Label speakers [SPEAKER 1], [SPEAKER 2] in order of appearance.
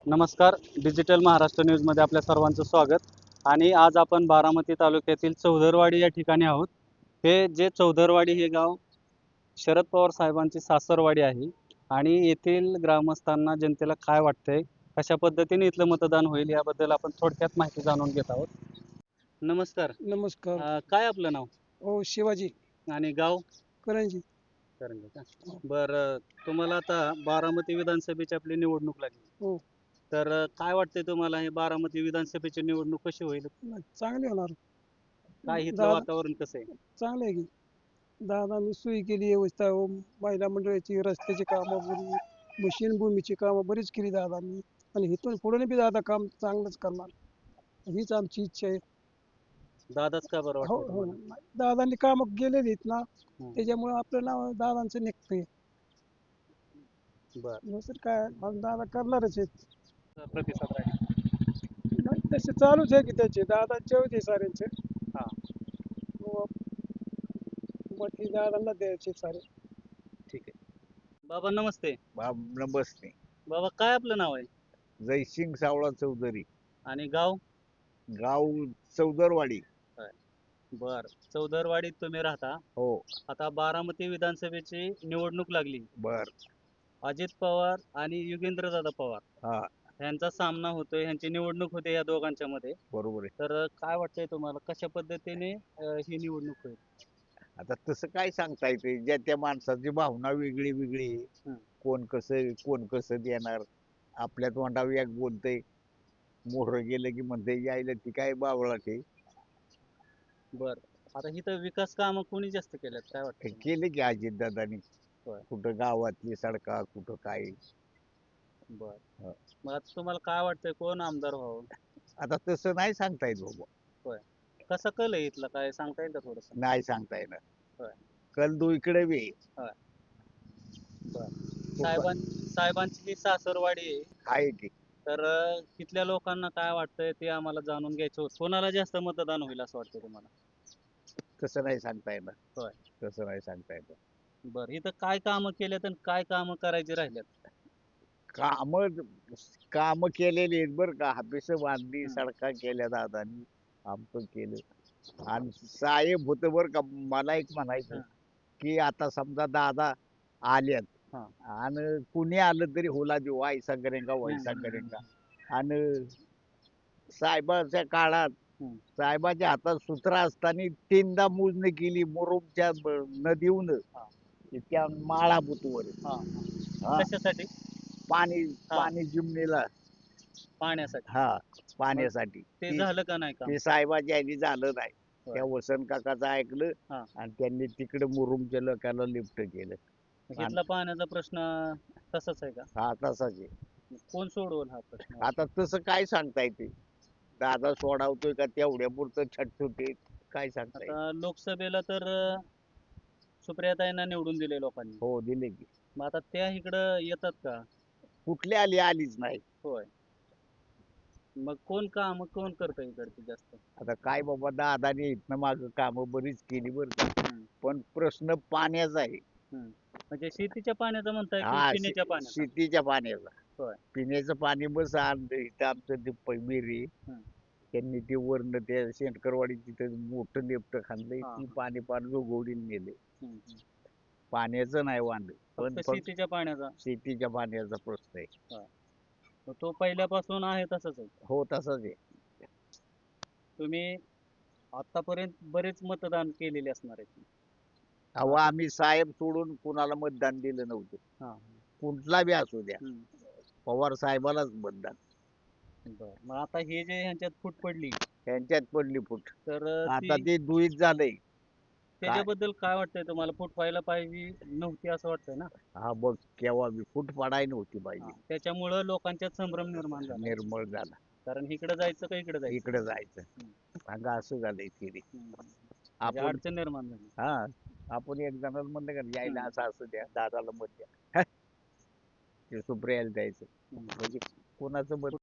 [SPEAKER 1] नमस्कार. डिजिटल महाराष्ट्र न्यूजमध्ये आपल्या सर्वांचं स्वागत. आणि आज आपण बारामती तालुक्यातील चौदरवाडी या ठिकाणी आहोत. जे चौदरवाडी हे गाव शरद पवार साहेबांची सासरवाडी आहे. आणि येथील ग्रामस्थांना, जनतेला काय वाटतंय, कशा पद्धतीने इथलं मतदान होईल याबद्दल आपण थोडक्यात माहिती जाणून घेत आहोत. नमस्कार.
[SPEAKER 2] नमस्कार.
[SPEAKER 1] काय आपलं नाव
[SPEAKER 2] हो, शिवाजी
[SPEAKER 1] आणि गाव?
[SPEAKER 2] करंजी.
[SPEAKER 1] करंजी का? बरं, तुम्हाला आता बारामती विधानसभेची आपली निवडणूक लागली.
[SPEAKER 2] हो.
[SPEAKER 1] तर काय वाटतंय तुम्हाला, हे बारामती विधानसभेची निवडणूक कशी होईल?
[SPEAKER 2] चांगले होणार.
[SPEAKER 1] काय इथलं
[SPEAKER 2] दादा
[SPEAKER 1] वातावरण कसं आहे?
[SPEAKER 2] चांगलं आहे की दादांनी सोयी केली, व्यवस्था महिला मंडळाची, रस्त्याची कामं बरी, मशीन भूमीची कामं बरीच केली दादांनी. आणि इथून पुढे बी दादा काम चांगलंच करणार, हीच आमची इच्छा आहे.
[SPEAKER 1] दादाच का बरं
[SPEAKER 2] हो
[SPEAKER 1] वाटतंय
[SPEAKER 2] हो,
[SPEAKER 1] तुम्हाला?
[SPEAKER 2] दादांनी कामं केलेली आहेत ना,
[SPEAKER 1] हं,
[SPEAKER 2] त्याच्यामुळे आपलं नाव दादांचं निघतंय.
[SPEAKER 1] बरं.
[SPEAKER 2] दुसरं काय, मग दादा करणारच आहेत.
[SPEAKER 1] प्रतिसाद राहील.
[SPEAKER 2] नाही, तसे चालूच आहे की त्याचे दादांचे होते साऱ्यांचे.
[SPEAKER 1] हां,
[SPEAKER 2] मग ती दादांना द्यायचे सारे.
[SPEAKER 1] ठीक आहे. बाबा नमस्ते.
[SPEAKER 3] नमस्ते.
[SPEAKER 1] बाबा, काय आपलं नाव आहे
[SPEAKER 3] जयसिंग सावळा चौधरी,
[SPEAKER 1] आणि गाव?
[SPEAKER 3] गाव चौदरवाडी.
[SPEAKER 1] काय? बर, चौदरवाडीत तुम्ही राहता.
[SPEAKER 3] हो.
[SPEAKER 1] आता बारामती विधानसभेची निवडणूक लागली.
[SPEAKER 3] बर.
[SPEAKER 1] अजित पवार आणि युगेंद्रदादा पवार
[SPEAKER 3] हा,
[SPEAKER 1] यांचा सामना होतोय, यांची निवडणूक होते या दोघांच्या मध्ये.
[SPEAKER 3] बरोबर आहे.
[SPEAKER 1] तर काय वाटतंय तुम्हाला, कशा पद्धतीने ही निवडणूक होईल?
[SPEAKER 3] आता तसं काय सांगता येते, ज्या त्या माणसाची भावना वेगळी वेगळी आहे.
[SPEAKER 1] हं.
[SPEAKER 3] कोण कसं देणार. आपल्या तोंडावर एक बोलतंय, मोहरं गेलं की म्हणते यायला ती काय बावळाटे.
[SPEAKER 1] बर, आता इथं विकास कामं कोणी जास्त केल्यात, काय वाटतं तुम्हाला?
[SPEAKER 3] केले की अजितदादांनी.
[SPEAKER 1] होय.
[SPEAKER 3] कुठं गावातली सडका, कुठं काय.
[SPEAKER 1] बर,
[SPEAKER 3] हं.
[SPEAKER 1] मग आता तुम्हाला काय वाटतंय, कोण आमदार व्हावं?
[SPEAKER 3] आता तसं नाही सांगता येत बाबा.
[SPEAKER 1] होय. कसा कल आहे इथला, काय सांगता येईल का थोडस?
[SPEAKER 3] नाही सांगता येणार.
[SPEAKER 1] होय.
[SPEAKER 3] कल दू इकडे बी
[SPEAKER 1] होय. बर, साहेबांची जी सासरवाडी आहे,
[SPEAKER 3] आहे की.
[SPEAKER 1] तर तिथल्या लोकांना काय वाटतंय ते आम्हाला जाणून घ्यायचं होतं. कोणाला जास्त मतदान होईल असं वाटतं तुम्हाला?
[SPEAKER 3] तसं नाही सांगता येणार.
[SPEAKER 1] होय.
[SPEAKER 3] तसं नाही सांगता येणार.
[SPEAKER 1] बरं, इथं काय कामं केल्यात आणि काय कामं करायची राहिल्यात?
[SPEAKER 3] काम काम केलेली आहेत बरं का. हापिस बांधली,
[SPEAKER 1] हं.
[SPEAKER 3] सडका केल्या दादांनी, आमचं केलं. आणि साहेब होतं बरं का. मला एक म्हणायचं
[SPEAKER 1] हं.
[SPEAKER 3] की आता समजा दादा आल्यात
[SPEAKER 1] हां.
[SPEAKER 3] आणि कुणी आलं तरी होला देऊ, वायसा करेंगा वैसा करेंगा. आणि साहेबाच्या काळात
[SPEAKER 1] हं.
[SPEAKER 3] साहेबाच्या हातात सूत्र असताना 3दा मोजणी केली मुरुमच्या नदीहून
[SPEAKER 1] हां.
[SPEAKER 3] त्या माळा बुतवर.
[SPEAKER 1] हां.
[SPEAKER 3] हा,
[SPEAKER 1] कशासाठी?
[SPEAKER 3] पाणी
[SPEAKER 1] हां.
[SPEAKER 3] पाणी जिमनीला.
[SPEAKER 1] पाण्यासाठी.
[SPEAKER 3] हा, पाण्यासाठी.
[SPEAKER 1] ते झालं का नाही काम?
[SPEAKER 3] ते साहेबाच्या ह्यानी झालं नाही.
[SPEAKER 1] होय.
[SPEAKER 3] त्या वसंत काकाचं ऐकलं
[SPEAKER 1] हां.
[SPEAKER 3] आणि त्यांनी तिकडे मुरुमच्या लोकांना लिफ्ट केलं.
[SPEAKER 1] मग इथला पाण्याचा प्रश्न तसाच आहे का?
[SPEAKER 3] हा, तसाच आहे.
[SPEAKER 1] मग कोण सोडवल हा प्रश्न?
[SPEAKER 3] आता तसं काय सांगता येते. दादा सोडावतोय का तेवढ्या पुरतं छटछुटे, काय सांगता येईल.
[SPEAKER 1] आता लोकसभेला तर सुप्रियाताईंना निवडून दिले लोकांनी.
[SPEAKER 3] हो, दिले की.
[SPEAKER 1] मग आता त्या इकडं येतात का?
[SPEAKER 3] कुठली आलीच नाही.
[SPEAKER 1] होय. मग कोण करतं इकडची जास्त?
[SPEAKER 3] आता काय बाबा, दादाने इथनं माग कामं बरीच केली बरं का.
[SPEAKER 1] हं.
[SPEAKER 3] पण प्रश्न पाण्याचा आहे.
[SPEAKER 1] हं. म्हणजे शेतीच्या पाण्याचा म्हणताय की
[SPEAKER 3] हा,
[SPEAKER 1] पिण्याच्या पाण्याचा?
[SPEAKER 3] शेतीच्या पाण्याचा.
[SPEAKER 1] होय.
[SPEAKER 3] पिण्याचं पाणी बस आणलं इथं आमचं ते विहिरी.
[SPEAKER 1] हं.
[SPEAKER 3] त्यांनी ते वरनं त्या शेंटकरवाडी तिथं मोठं लेपट खाल्लंय.
[SPEAKER 1] हां,
[SPEAKER 3] ती
[SPEAKER 1] हां.
[SPEAKER 3] पाणी पार जोगवडीला नेले.
[SPEAKER 1] हं, हं.
[SPEAKER 3] पाण्याचं नाही वांद, पण
[SPEAKER 1] फक्त शेतीच्या पाण्याचा?
[SPEAKER 3] शेतीच्या पाण्याचा प्रश्न आहे.
[SPEAKER 1] होय. मग तो पहिल्यापासून आहे तसाच आहे?
[SPEAKER 3] हो, तसंच आहे.
[SPEAKER 1] तुम्ही आतापर्यंत बरेच मतदान केलेले असणार आहेत.
[SPEAKER 3] अहो, आम्ही साहेब सोडून कुणाला मतदान दिलं नव्हतं.
[SPEAKER 1] हां.
[SPEAKER 3] कुठला बी असू द्या,
[SPEAKER 1] हं.
[SPEAKER 3] पवार साहेबालाच मतदान.
[SPEAKER 1] बरं. मग आता हे जे ह्यांच्यात फूट पडली,
[SPEAKER 3] त्यांच्यात पडली फूट.
[SPEAKER 1] तर
[SPEAKER 3] आता ते दुईत झालंय.
[SPEAKER 1] त्याच्याबद्दल काय वाटतंय तुम्हाला? फूट व्हायला पाहिजे नव्हती असं वाटतंय ना?
[SPEAKER 3] हा, बघ केव्हा बी फूट पडाय नव्हती पाहिजे.
[SPEAKER 1] हां. त्याच्यामुळं लोकांच्यात संभ्रम निर्माण झाला.
[SPEAKER 3] निर्मळ झाला.
[SPEAKER 1] कारण इकडे जायचं का इकडे जायचं?
[SPEAKER 3] इकडे जायचं.
[SPEAKER 1] हं.
[SPEAKER 3] सांगा, असं झालंय थिरी.
[SPEAKER 1] हं, हं. म्हणजे
[SPEAKER 3] आपण
[SPEAKER 1] अडचण निर्माण झाली.
[SPEAKER 3] हा, आपण एक जणाला म्हणलं का यायला
[SPEAKER 1] हं.
[SPEAKER 3] असं असू द्या, दादाला मत द्या. ते सुप्रियाला द्यायचं.
[SPEAKER 1] हं.
[SPEAKER 3] म्हणजे कोणाचं मत